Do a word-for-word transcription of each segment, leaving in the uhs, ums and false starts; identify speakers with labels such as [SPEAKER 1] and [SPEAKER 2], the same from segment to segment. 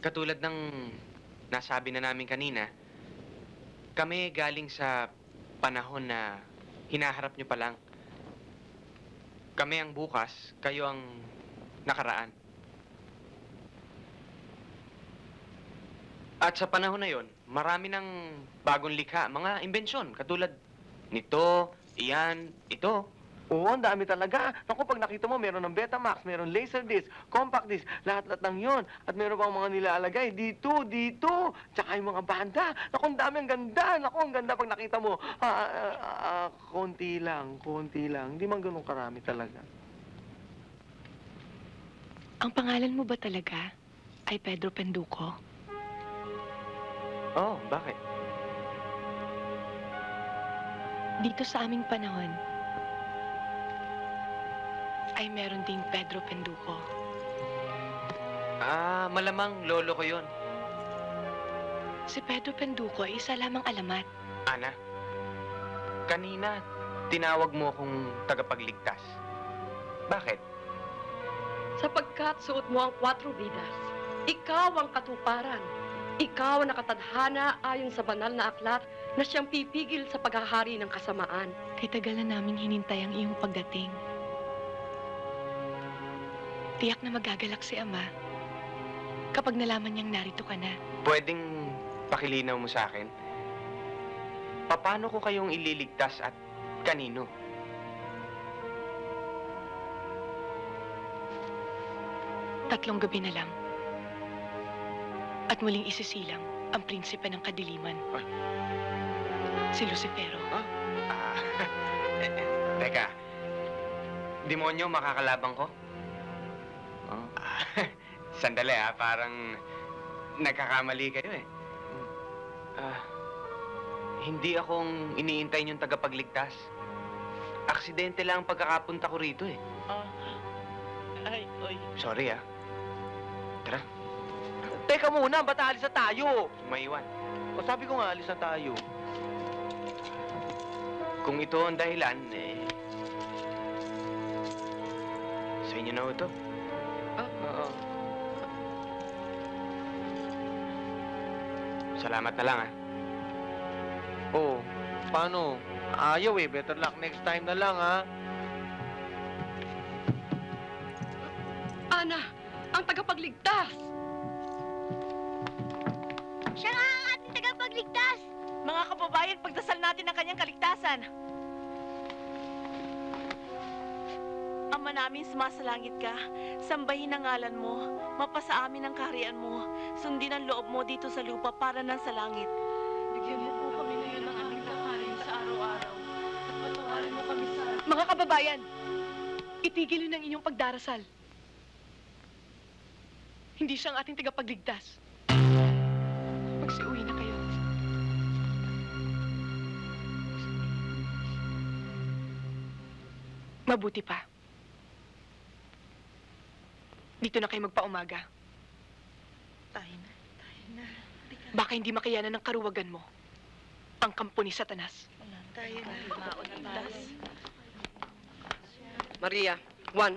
[SPEAKER 1] Katulad ng nasabi na namin kanina, kami galing sa panahon na hinaharap nyo pa lang. Kami ang bukas, kayo ang nakaraan. At sa panahon na yon, marami ng bagong likha, mga imbensyon, katulad nito, iyan, ito.
[SPEAKER 2] Oo, ang dami talaga. Naku, pag nakita mo, meron ng Betamax, meron Laserdisc, Compact Disc, lahat-lahat ng yon. At meron pang mga nilalagay dito, dito. Tsaka yung mga banda. Naku, ang dami, ang ganda. Naku, ang ganda pag nakita mo. Ah, ah, ah, ah, konti lang, konti lang. Hindi man ganun karami talaga.
[SPEAKER 3] Ang pangalan mo ba talaga ay Pedro Penduko?
[SPEAKER 1] Oh, bakit?
[SPEAKER 3] Dito sa aming panahon, ay meron ding Pedro Penduko.
[SPEAKER 1] Ah, malamang lolo ko yon.
[SPEAKER 3] Si Pedro Penduko ay isa lamang alamat.
[SPEAKER 1] Ana, kanina tinawag mo akong tagapagligtas. Bakit?
[SPEAKER 4] Sapagkat suot mo ang kwatro vidas, ikaw ang katuparan. Ikaw ang nakatadhana ayon sa banal na aklat na siyang pipigil sa paghahari ng kasamaan.
[SPEAKER 3] Kay tagal na namin hinintay ang iyong pagdating. Tiyak na magagalak si Ama kapag nalaman niyang narito ka na.
[SPEAKER 1] Pwedeng pakilinaw mo sa akin? Paano ko kayong ililigtas at kanino?
[SPEAKER 3] Tatlong gabi na lang. At muling isisilang ang prinsipe ng kadiliman.
[SPEAKER 1] Ay.
[SPEAKER 3] Si Lucifero.
[SPEAKER 1] Ah, eh, eh, teka. Demonyo makakalabang ko? Oh. Ah, sandali ah, parang nagkakamali kayo eh. Ah, hindi akong iniintay yung tagapagligtas. Aksidente lang ang pagkakapunta ko rito eh.
[SPEAKER 2] Ah, ay, ay.
[SPEAKER 1] Sorry ah. Tara,
[SPEAKER 2] Teka muna, ba't aalis na tayo?
[SPEAKER 1] maiwan.
[SPEAKER 2] O sabi ko nga, alis na tayo.
[SPEAKER 1] Kung ito ang dahilan, eh... Sa inyo na ito.
[SPEAKER 2] Ah, oo.
[SPEAKER 1] Salamat na lang ah.
[SPEAKER 2] Oh, paano? Ayaw eh, better luck next time na lang, ha?
[SPEAKER 4] Ana, ang tagapagligtas!
[SPEAKER 5] Siya nga ang ating tagapagligtas!
[SPEAKER 6] Mga kababayan, pagdasal natin ang kanyang kaligtasan. Ama namin, sumasalangit ka. Sambahin ang ngalan mo. Mapasa amin ang kaharian mo. Sundin ang loob mo dito sa lupa para nan sa langit. Bigyan mo po kami ngayon ng aming kakanin sa araw-araw. At patawarin mo kami sa...
[SPEAKER 3] Mga kababayan, itigil niyo ng inyong pagdarasal. Hindi siya ang ating tagapagligtas. Magsiuwi na kayo. Mabuti pa. Dito na kayo magpaumaga.
[SPEAKER 6] Tayo na, tayo na.
[SPEAKER 3] Baka hindi makayanan ng karuwagan mo ang kampo ni Satanas.
[SPEAKER 6] Tayo na, maunagtas.
[SPEAKER 4] Maria, one.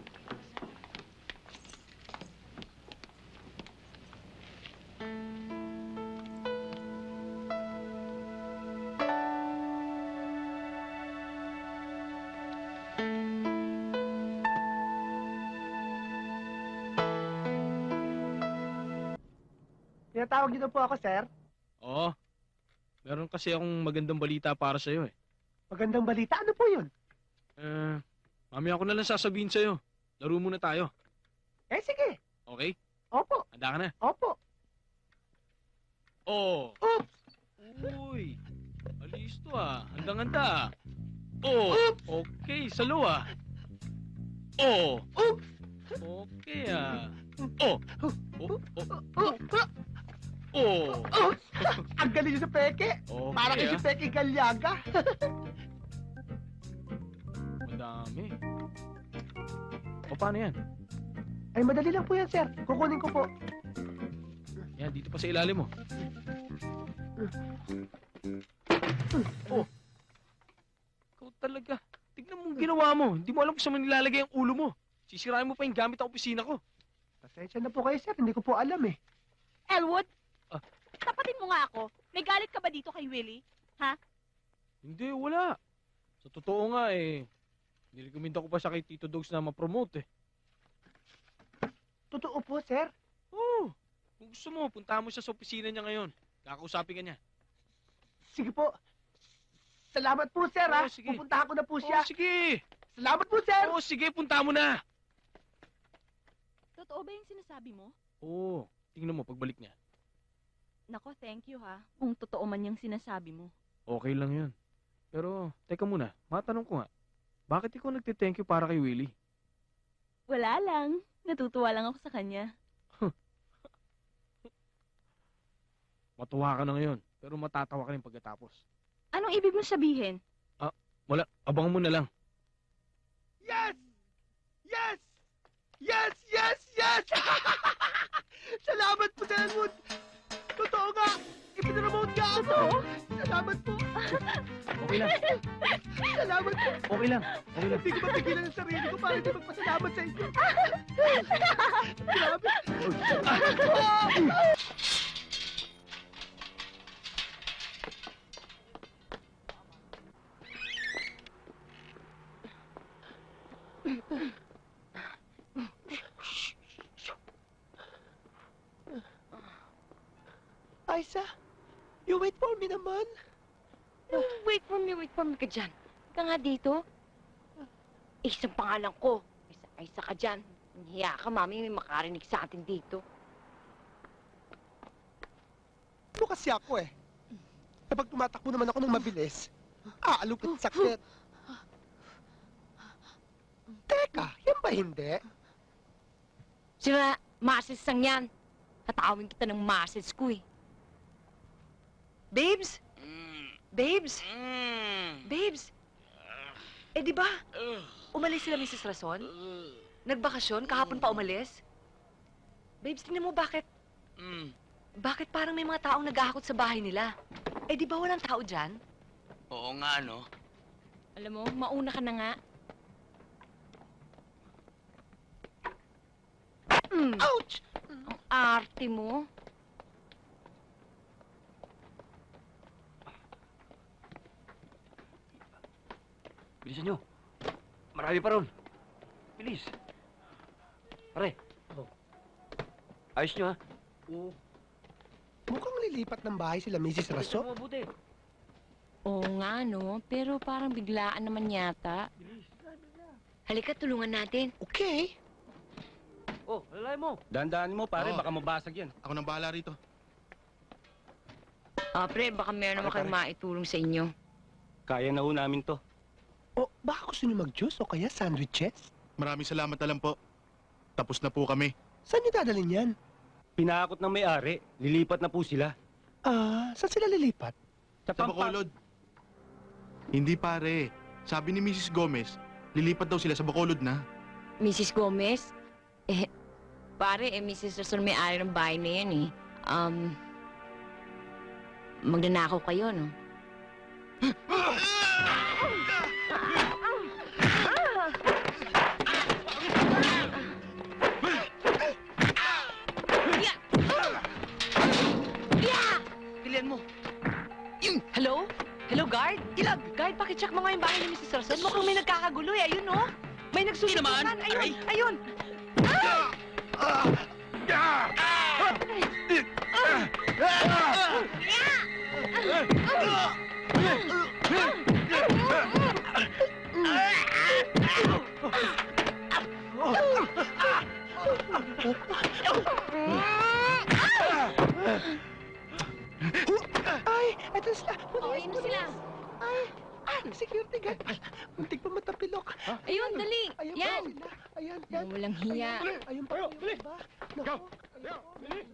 [SPEAKER 2] Tinatawag niyo na po ako, sir.
[SPEAKER 7] Oo. Meron kasi akong magandang balita para sa'yo eh.
[SPEAKER 2] Magandang balita. Ano po yun?
[SPEAKER 7] Eh, mamaya ko na lang sasabihin sa'yo. Laro muna tayo.
[SPEAKER 2] Eh, sige.
[SPEAKER 7] Okay?
[SPEAKER 2] Opo.
[SPEAKER 7] Handa ka na?
[SPEAKER 2] Opo.
[SPEAKER 7] Oo.
[SPEAKER 2] Oops!
[SPEAKER 7] Uy! Alis to ah. Handang-handa ah. Oo. Okay, salo ah. Oo.
[SPEAKER 2] Oops!
[SPEAKER 7] Okay ah. Oh. Oh. Oh.
[SPEAKER 2] Oh,
[SPEAKER 7] Oh.
[SPEAKER 2] oh. Ang galing niyo sa peke.
[SPEAKER 7] Okay
[SPEAKER 2] Parang
[SPEAKER 7] ah.
[SPEAKER 2] si Peke Galyaga.
[SPEAKER 7] Madami. O paano yan?
[SPEAKER 2] Ay, madali lang po yan, sir. Kukunin ko po.
[SPEAKER 7] Yan, dito pa sa ilalim mo. Oh. Ikaw talaga. Tignan mo ang ginawa mo. Hindi mo alam kung saan mo nilalagay ang ulo mo. Sisirain mo pa yung gamit ng opisina ko.
[SPEAKER 2] Pasensya na po kayo, sir. Hindi ko po alam eh.
[SPEAKER 8] Elwood?
[SPEAKER 7] Ah.
[SPEAKER 8] Tapatin mo nga ako. May galit ka ba dito kay Willie?
[SPEAKER 7] Hindi, wala. Sa totoo nga eh, nirekomenda ko pa siya kay Tito Dogs na ma-promote eh.
[SPEAKER 2] Totoo po, sir.
[SPEAKER 7] Oo. Kung gusto mo, puntahan mo siya sa opisina niya ngayon. Kakausapin ka niya.
[SPEAKER 2] Sige po. Salamat po, sir,
[SPEAKER 7] Oo, sige.
[SPEAKER 2] Pupuntahan ko na po
[SPEAKER 7] Oo, sige.
[SPEAKER 2] Salamat po, sir.
[SPEAKER 7] Oo, sige, punta mo na.
[SPEAKER 8] Totoo ba yung sinasabi mo?
[SPEAKER 7] Oo, tingnan mo pagbalik niya.
[SPEAKER 8] Nako, thank you ha. Kung totoo man yung sinasabi mo.
[SPEAKER 7] Okay lang yun. Pero, teka muna, matanong ko nga. Bakit ikaw nagte-thank you para kay Willie?
[SPEAKER 8] Wala lang. Natutuwa lang ako sa kanya.
[SPEAKER 7] Matuwa ka na ngayon, pero matatawa ka rin pagkatapos.
[SPEAKER 8] Anong ibig mo sabihin?
[SPEAKER 7] Wala, abangan mo na lang.
[SPEAKER 2] Yes! Yes! Yes! Yes! Yes! Salamat po, Elwood! Totoo nga! Ipinaramote ka ako! Salamat po!
[SPEAKER 7] Okay lang,
[SPEAKER 2] Salamat po!
[SPEAKER 7] okay lang, okay lang.
[SPEAKER 2] Hindi ko mapigilan ang sarili ko para hindi magpasalamat sa inyo. Grabe! Aisa, you wait for me naman.
[SPEAKER 5] Wait for me, wait for me ka dyan. Ka nga dito. Isang pangalan ko. Isa, isa ka dyan. Hiya ka, mami, may makarinig sa atin dito.
[SPEAKER 9] Ano kasi ako eh. Kapag tumatakbo naman ako ng mabilis, aalupit sakit. Teka, yan ba hindi?
[SPEAKER 5] Sira, masis sang yan. Tatawin kita ng masis ko eh. Babes? Babes? Babes? Eh di ba? Umalis sila Missus Rason? Nagbakasyon? Kahapon pa umalis? Babes, tingnan mo bakit? Bakit parang may mga taong naghahakot sa bahay nila? Eh di ba walang tao dyan?
[SPEAKER 10] Oo nga, no?
[SPEAKER 5] Alam mo, mauna ka na nga. Mm,
[SPEAKER 9] Ouch!
[SPEAKER 5] ang arte mo.
[SPEAKER 10] Bilisan nyo. Marami pa ron. Bilis. Pare. Ayos nyo, ha? Oo.
[SPEAKER 9] Mukhang lilipat ng bahay sila Missus Raso.
[SPEAKER 10] Mabuti.
[SPEAKER 5] Oo nga, no? Pero parang biglaan naman yata. Halika, tulungan natin.
[SPEAKER 9] Okay.
[SPEAKER 10] Oh, lalay mo. Dandaan mo, pare.
[SPEAKER 11] Oo.
[SPEAKER 10] Baka mabasag yan.
[SPEAKER 11] Ako nang bahala rito.
[SPEAKER 5] Ah, pre, baka meron naman
[SPEAKER 10] Pare,
[SPEAKER 5] kayong maitulong sa inyo.
[SPEAKER 10] Kaya na ho namin to.
[SPEAKER 9] O, baka gusto niyo mag-juice o kaya sandwiches?
[SPEAKER 11] Maraming salamat na lang po. Tapos na po kami.
[SPEAKER 9] Saan niyo dadalhin yan?
[SPEAKER 10] Pinakot ng may-ari. Lilipat na po sila.
[SPEAKER 9] Ah, saan sila lilipat?
[SPEAKER 10] Sa,
[SPEAKER 11] Sa Bacolod. Hindi pare. Sabi ni Missus Gomez, lilipat daw sila sa Bacolod na.
[SPEAKER 5] Missus Gomez? Eh, pare, eh, Missus Rason may-ari ng bahay na yan, eh. Um, magnanakaw kayo, no?
[SPEAKER 10] Pilihan mo.
[SPEAKER 5] Hello? Hello, guard? Ilag! Guard, pakicheck mo nga yung bahay ni Missus Rason. Mukhang may nagkakagulo, eh. Ayun, no? May nagsusutukan.
[SPEAKER 10] naman.
[SPEAKER 5] Ayun, ayun.
[SPEAKER 9] Ay, eto sila.
[SPEAKER 5] Oh, ayun na sila.
[SPEAKER 9] Ay, ay, security guard. Ay, muntik pa matapilok.
[SPEAKER 5] Ayun, dali.
[SPEAKER 9] Ayun
[SPEAKER 5] Yan.
[SPEAKER 9] pa sila. Ayan, yan.
[SPEAKER 5] Walang hiya.
[SPEAKER 9] Ayun pa. Ayun pa. Naku, ayun pa.